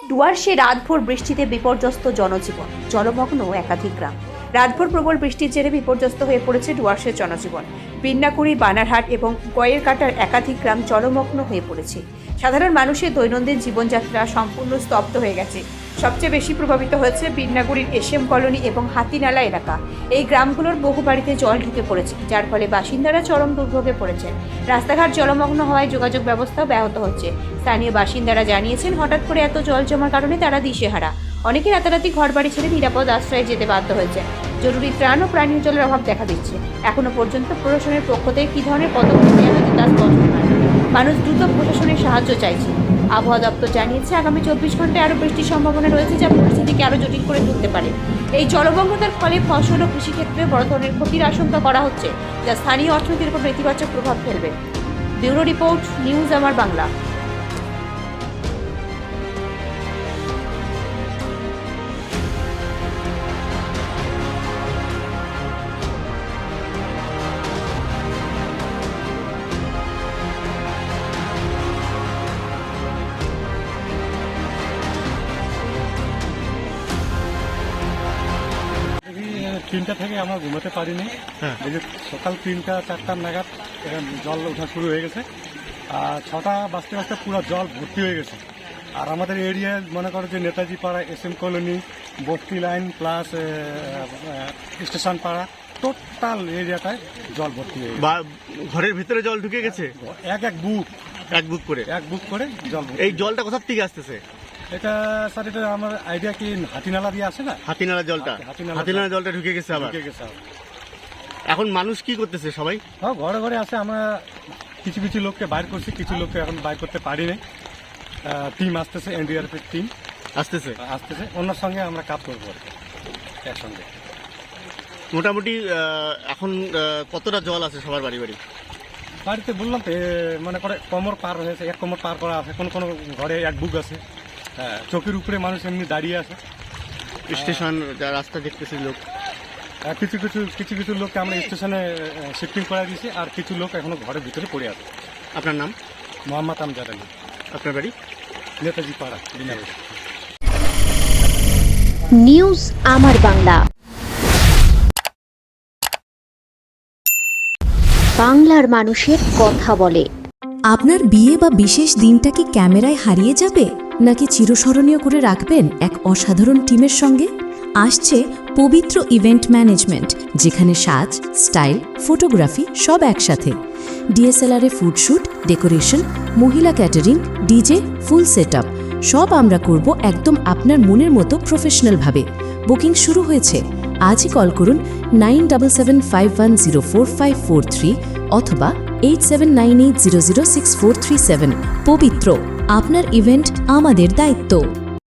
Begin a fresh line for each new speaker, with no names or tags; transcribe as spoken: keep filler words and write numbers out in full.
ডুয়ার্সে রাতভর বৃষ্টিতে বিপর্যস্ত জনজীবন, জলমগ্ন একাধিক গ্রাম। রাতভর প্রবল বৃষ্টির জেরে বিপর্যস্ত হয়ে পড়েছে ডুয়ার্সের জনজীবন। বিন্নাকুড়ি, বানারহাট এবং গয়েরকাটার একাধিক গ্রাম জলমগ্ন হয়ে পড়েছে। সাধারণ মানুষের দৈনন্দিন জীবনযাত্রা সম্পূর্ণ স্তব্ধ হয়ে গেছে। সবচেয়ে বেশি প্রভাবিত হয়েছে বিন্নাকুড়ির এসএম কলোনি এবং হাতিনালা এলাকা। এই গ্রামগুলোর বহু বাড়িতে জল ঢুকে পড়েছে, যার ফলে বাসিন্দারা চরম দুর্ভোগে পড়েছেন। রাস্তাঘাট জলমগ্ন হওয়ায় যোগাযোগ ব্যবস্থাও ব্যাহত হচ্ছে। স্থানীয় বাসিন্দারা জানিয়েছেন, হঠাৎ করে এত জল জমার কারণে তারা দিশেহারা। অনেকে রাতারাতি ঘরবাড়ি ছেড়ে নিরাপদ আশ্রয়ে যেতে বাধ্য হয়েছে। জরুরি ত্রাণ ও পানীয় জলের অভাব দেখা দিচ্ছে। এখনো পর্যন্ত প্রশাসনের পক্ষ থেকে কী ধরনের পদক্ষেপ নেওয়া হচ্ছে তা স্পষ্ট নয়। মানুষ দ্রুত প্রশাসনের সাহায্য চাইছে। আবহাওয়া দপ্তর জানিয়েছে, আগামী চব্বিশ ঘন্টায় আরও বৃষ্টির সম্ভাবনা রয়েছে, যা পরিস্থিতিকে আরও জটিল করে তুলতে পারে। এই জলমগ্নতার ফলে ফসল ও কৃষিক্ষেত্রে বড় ধরনের ক্ষতির আশঙ্কা করা হচ্ছে, যা স্থানীয় অর্থনীতির উপর নেতিবাচক প্রভাব ফেলবে। ব্যুরো রিপোর্ট, নিউজ আমার বাংলা।
তিনটা থেকে আমরা ঘুমাতে পারিনি। এই যে সকাল তিনটা চারটার নাগাদ জল ওঠা শুরু হয়ে গেছে, আর ছটা বাজতে বাজতে পুরো জল ভর্তি হয়ে গেছে। আর আমাদের এরিয়ায় মনে করো যে Netaji Para, S M colony, বস্তি line plus station Para, total এরিয়াটায় জল ভর্তি হয়ে গেছে।
ঘরের ভিতরে জল ঢুকে গেছে
এক এক বুক
এক বুক করে
এক বুক করে জল।
এই জলটা কোথা থেকে আসতেছে?
এটা স্যার, এটা আমার আইডিয়া কি হাতিনালা দিয়ে আসে না?
হাতিনালা জলটা হাতিনালা জলটা ঢুকে গেছে আবার
ঢুকে গেছে।
এখন মানুষ কি করতেছে? সবাই
হ্যাঁ, ঘরে ঘরে আছে। আমরা কিছু কিছু লোককে বাইর করছি, কিছু লোককে এখন বাইর করতে পারি নাই। টিম আসতেছে, এনডিআরএফ এর টিম
আসতেছে
আসতেছে ওনার সঙ্গে আমরা কাজ করবো একসঙ্গে।
মোটামুটি এখন কতটা জল আছে সবার বাড়ি বাড়ি?
বাড়িতে বললাম তো, মনে করে কোমর পার হয়েছে, এক কোমর পার করা আছে। কোনো কোনো ঘরে এক বুক আছে। হ্যাঁ, চোখের উপরে মানুষ এমনি দাঁড়িয়ে আছে।
স্টেশন রাস্তা দেখতেছি লোক,
কিছু কিছু কিছু কিছু লোককে আমরা স্টেশনে শিফটিং করে দিয়েছি, আর কিছু লোক এখনো ঘরের ভিতরে পড়ে আছে।
আপনার নাম?
মোহাম্মদ আমজাদ আলী।
আপনার বাড়ি?
নেতাজি পাড়া, বিনাবাড়ি।
নিউজ আমার বাংলা, বাংলার মানুষের কথা বলে।
আপনার বিয়ে বা বিশেষ দিনটা কি ক্যামেরায় হারিয়ে যাবে, নাকি চিরস্মরণীয় করে রাখবেন এক অসাধারণ টিমের সঙ্গে? আসছে পবিত্র ইভেন্ট ম্যানেজমেন্ট, যেখানে সাজ, স্টাইল, ফটোগ্রাফি সব একসাথে। ডিএসএলআর এ ফুডশ্যুট, ডেকোরেশন, মহিলা ক্যাটারিং, ডিজে, ফুল সেটআপ সব আমরা করব একদম আপনার মনের মতো প্রফেশনালভাবে। বুকিং শুরু হয়েছে। আজই কল করুন nine seven seven five one zero four five four three অথবা eight seven nine eight zero zero six four three seven. পবিত্র, আপনার ইভেন্ট আমাদের দায়িত্ব।